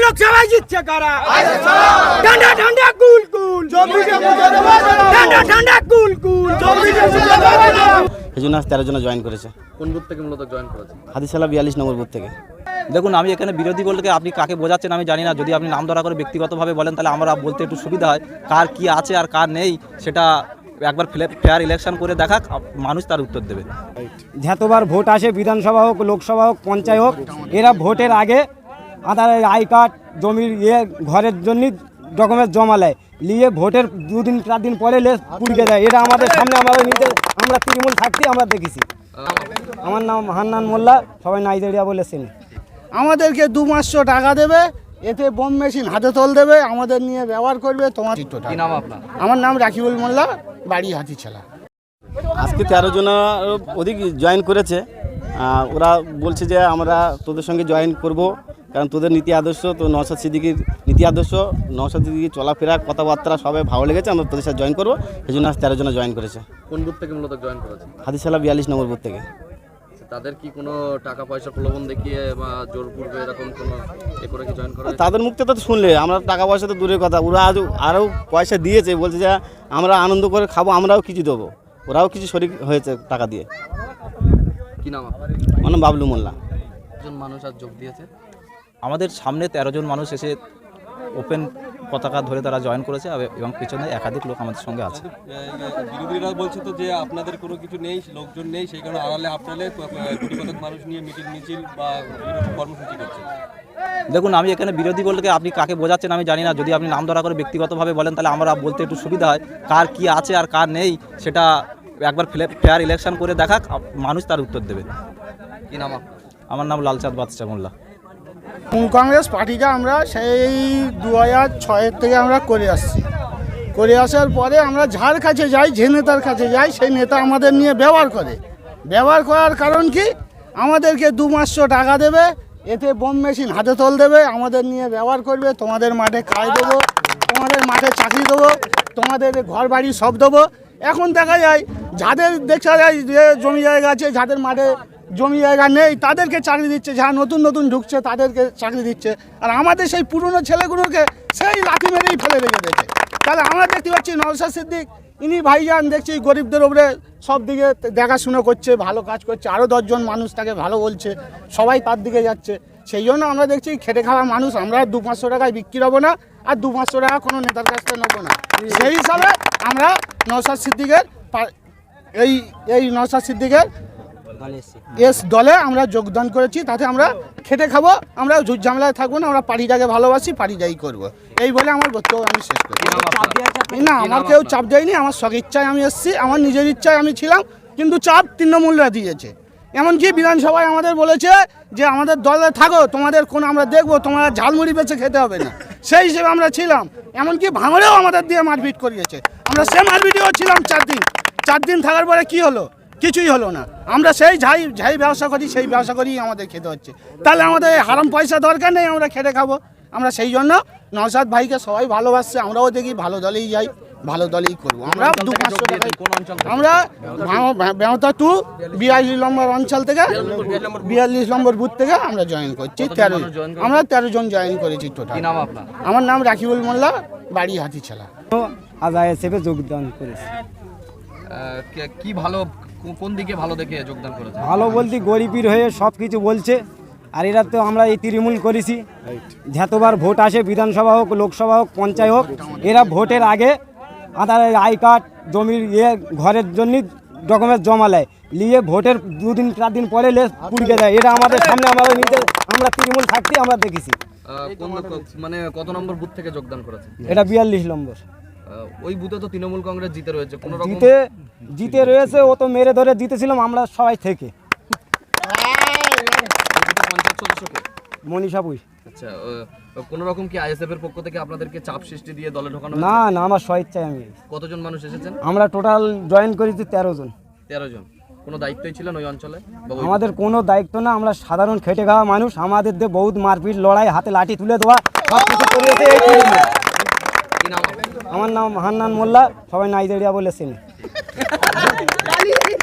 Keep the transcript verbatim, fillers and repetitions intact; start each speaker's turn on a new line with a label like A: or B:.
A: লোকসভায় জিতছে কারা? ঠান্ডা ঠান্ডা কুল কুল ঠান্ডা ঠান্ডা কুল কুল।
B: এই জন্য তেরো জন জয়েন করেছে।
C: কোন বুথ থেকে মূলত জয়েন করেছে?
B: হাদিশালা বিয়াল্লিশ নম্বর বুথ থেকে।
D: দেখুন, আমি এখানে বিরোধী বলতে আপনি কাকে বোঝাচ্ছেন আমি জানি না। যদি আপনি নাম ধরা করে ব্যক্তিগতভাবে বলেন তাহলে আমরা বলতে একটু সুবিধা হয়। কার কি আছে আর কার নেই সেটা একবার ফেয়ার ইলেকশন করে দেখাক, মানুষ তার উত্তর দেবে।
E: যতবার ভোট আসে, বিধানসভা হোক, লোকসভা হোক, পঞ্চায়েত হোক, এরা ভোটের আগে আধার আই কার্ড, জমির ইয়ে, ঘরের জন্য ডকুমেন্ট জমা নেয়, নিয়ে ভোটের দুদিন চার দিন পরে লেস পুড়িয়ে দেয়। এটা আমাদের সামনে আমরা নিজে আমরা তৃণমূল থাকতে আমরা দেখেছি। আমার নাম হান্নান মোল্লা, সবাই নাইজেরিয়া বলেছেন।
F: আমাদেরকে দু মাসশো টাকা দেবে, এতে বোম মেশিন হাতে তোল দেবে, আমাদের নিয়ে ব্যবহার করবে। তোমার
C: কি নাম আপনার?
F: আমার নাম রাকিবুল মোল্লা, বাড়ি হাতিছালা।
B: আজকে তেরো জন অধিক জয়েন করেছে। ওরা বলছে যে আমরা তোদের সঙ্গে জয়েন করব, কারণ তোদের নীতি আদর্শ, তো নওশাদ সিদ্দিকীর নীতি আদর্শ, নওশাদ সিদ্দিকীর চলাফেরা, কথাবার্তা সবাই ভালো লেগেছে, আমরা তোদের সাথে জয়েন করবো। এই জন্য আজ তেরো জন জয়েন করেছে।
C: কোন বুথ থেকে মূলত জয়েন করেছে?
B: হাদিশালা বিয়াল্লিশ নম্বর বুথ থেকে।
C: তাদের কি কোনো টাকা পয়সা প্রলোভন দেখিয়ে বা জোরপূর্বে এরকম কোনো এ করে কি জয়েন করা?
B: তাদের মুখ থেকে তো শুনলে আমরা টাকা পয়সা তো দূরের কথা, ওরা আজ আরও পয়সা দিয়েছে, বলছে যে আমরা আনন্দ করে খাবো, আমরাও কিছু দেবো, ওরাও কিছু শরিক হয়েছে টাকা দিয়ে।
C: কি নাম আপনার?
B: আমার নাম বাবলু মোল্লা।
C: একজন মানুষ আজ যোগ দিয়েছে।
D: আমাদের সামনে তেরো জন মানুষ এসে ওপেন পতাকা ধরে তারা জয়েন করেছে এবং পিছনে একাধিক লোক আমাদের সঙ্গে আছে।
G: বিরোধীরা বলছে তো যে আপনাদের কোনো কিছু নেই, লোকজন নেই, সেই কারণে আড়ালে আপনারা কোটি কতক মানুষ নিয়ে মিটিং মিছিল বা কর্মসূচি করছে।
D: দেখুন, আমি এখানে বিরোধী বলতে আপনি কাকে বোঝাচ্ছেন আমি জানি না। যদি আপনি নাম ধরা করে ব্যক্তিগতভাবে বলেন তাহলে আমরা বলতে একটু সুবিধা হয়। কার কি আছে আর কার নেই সেটা একবার ফেয়ার ইলেকশন করে দেখাক, মানুষ তার উত্তর দেবে।
C: কি নাম আপনার?
D: আমার নাম লালচাঁদ বাদশাহ মোল্লা।
F: কংগ্রেস পার্টিটা আমরা সেই দু হাজার ছয়ের থেকে আমরা করে আসছি। করে আসার পরে আমরা যার কাছে যাই, যে নেতার কাছে যাই, সেই নেতা আমাদের নিয়ে ব্যবহার করে। ব্যবহার করার কারণ কি? আমাদেরকে দু মাসশো টাকা দেবে, এতে বোম মেশিন হাতে তোল দেবে, আমাদের নিয়ে ব্যবহার করবে। তোমাদের মাঠে খাই দেবো, তোমাদের মাঠে চাকরি দেবো, তোমাদের ঘর বাড়ি সব দেবো। এখন দেখা যায় যাদের দেখা যায় যে জমি জায়গা আছে, যাদের মাঠে জমি জায়গা নেই, তাদেরকে চাকরি দিচ্ছে, যারা নতুন নতুন ঢুকছে তাদেরকে চাকরি দিচ্ছে। আর আমাদের সেই পুরনো ছেলেগুলোকে সেই লাথি মেরেই ফেলে রেখে দিয়েছে। তাহলে আমরা দেখতে পাচ্ছি নওশাদ সিদ্দিক, ইনি ভাইজান দেখছি গরিবদের উপরে সব দিকে দেখাশুনো করছে, ভালো কাজ করছে, আরও দশজন মানুষ তাকে ভালো বলছে, সবাই তার দিকে যাচ্ছে। সেই জন্য আমরা দেখছি খেটে খাওয়া মানুষ আমরা দু পাঁচশো টাকায় বিক্রি হবো না, আর দু পাঁচশো টাকা কোনো নেতার কাছ থেকে নেবো না। সেই হিসাবে আমরা নওশাদ সিদ্দিকের এই এই নওশাদ সিদ্দিকের এস দলে আমরা যোগদান করেছি। তাতে আমরা খেটে খাবো, আমরা ঝুট ঝামেলায় থাকবো না, আমরা পার্টিটাকে ভালোবাসি, পার্টিটাই করবো। এই বলে আমার বক্তব্য আমি শেষ করি। না, আমার কেউ চাপ দেয়নি, আমার স্ব ইচ্ছায় আমি এসেছি, আমার নিজের ইচ্ছায় আমি ছিলাম, কিন্তু চাপ তৃণমূলরা দিয়েছে। এমনকি বিধানসভায় আমাদের বলেছে যে আমাদের দলে থাকো, তোমাদের কোন আমরা দেখবো, তোমরা ঝালমুড়ি বেছে খেতে হবে না। সেই হিসেবে আমরা ছিলাম। এমনকি ভাঙড়েও আমাদের দিয়ে মারপিট করিয়েছে। আমরা সে মারপিটেও ছিলাম চার দিন। চার দিন থাকার পরে কি হলো? কিছুই হলো না। আমরা সেই যাই যাই ব্যবসা করি, সেই ব্যবসা করেই আমাদের খেতে হচ্ছে। তাহলে আমাদের হারাম পয়সা দরকার নেই, আমরা খেটে খাবো। আমরা সেই জন্য নওশাদ ভাইকে সবাই ভালোবাসছে, আমরাও দেখি ভালো দলেই যাই, ভালো দলেই করবো। আমরা দু পাঁচশো টাকা আমরা বেহতা টু বিয়াল্লিশ নম্বর অঞ্চল থেকে, বিয়াল্লিশ নম্বর বুথ থেকে আমরা জয়েন করছি। তেরো আমরা তেরো জন জয়েন করেছি টোটাল। আমার নাম রাকিবুল মোল্লা, বাড়ি হাতিছালা।
E: আজ আইএসএফে যোগদান করেছি।
C: কি ভালো, কোন দিকে ভালো দেখে যোগদান করেছে?
E: ভালো বলতে গরিবের হয়ে সব কিছু বলছে। আর এরা তো আমরা এই তৃণমূল করেছি, যতবার ভোট আসে, বিধানসভা হোক, লোকসভা হোক, পঞ্চায়েত হোক, এরা ভোটের আগে আধার আই কার্ড, জমির ইয়ে, ঘরের জন্য ডকুমেন্ট জমা নেয়, নিয়ে ভোটের দুদিন চার দিন পরে লেস পুড়িয়ে দেয়। এটা আমাদের সামনে আমরা নিজে আমরা তৃণমূল থাকতে আমরা দেখেছি।
C: মানে কত নম্বর বুথ থেকে যোগদান করেছে?
E: এটা বিয়াল্লিশ নম্বর।
C: ওই বুথে তো তৃণমূল কংগ্রেস জিতে রয়েছে, কোনো রকম
E: জিতে জিতে রয়েছে, ও তো মেরে ধরে জিতেছিলাম আমরা সবাই থেকে।
C: পঞ্চায়েত সদস্যকে
E: মনীষা পুই।
C: আচ্ছা, কোন রকম কি আইএসএফ এর পক্ষ থেকে আপনাদেরকে চাপ সৃষ্টি দিয়ে দলে ঢোকানো?
E: না না, আমার স্বেচ্ছায় আমি।
C: কতজন মানুষ এসেছেন?
E: আমরা টোটাল জয়েন করেছি তেরো জন।
C: তেরো জন। কোনো দায়িত্বই ছিলেন ওই অঞ্চলে?
E: আমাদের কোনো দায়িত্ব না, আমরা সাধারণ খেটে খাওয়া মানুষ। আমাদের দিয়ে বহুত মারপিট, লড়াই, হাতে লাঠি তুলে দেওয়া সব কিছু করিয়েছে এই তৃণমূল।
C: কি নাম?
E: আমার নাম হান্নান মোল্লা, সবাই নাইজেরিয়া বলেছেন।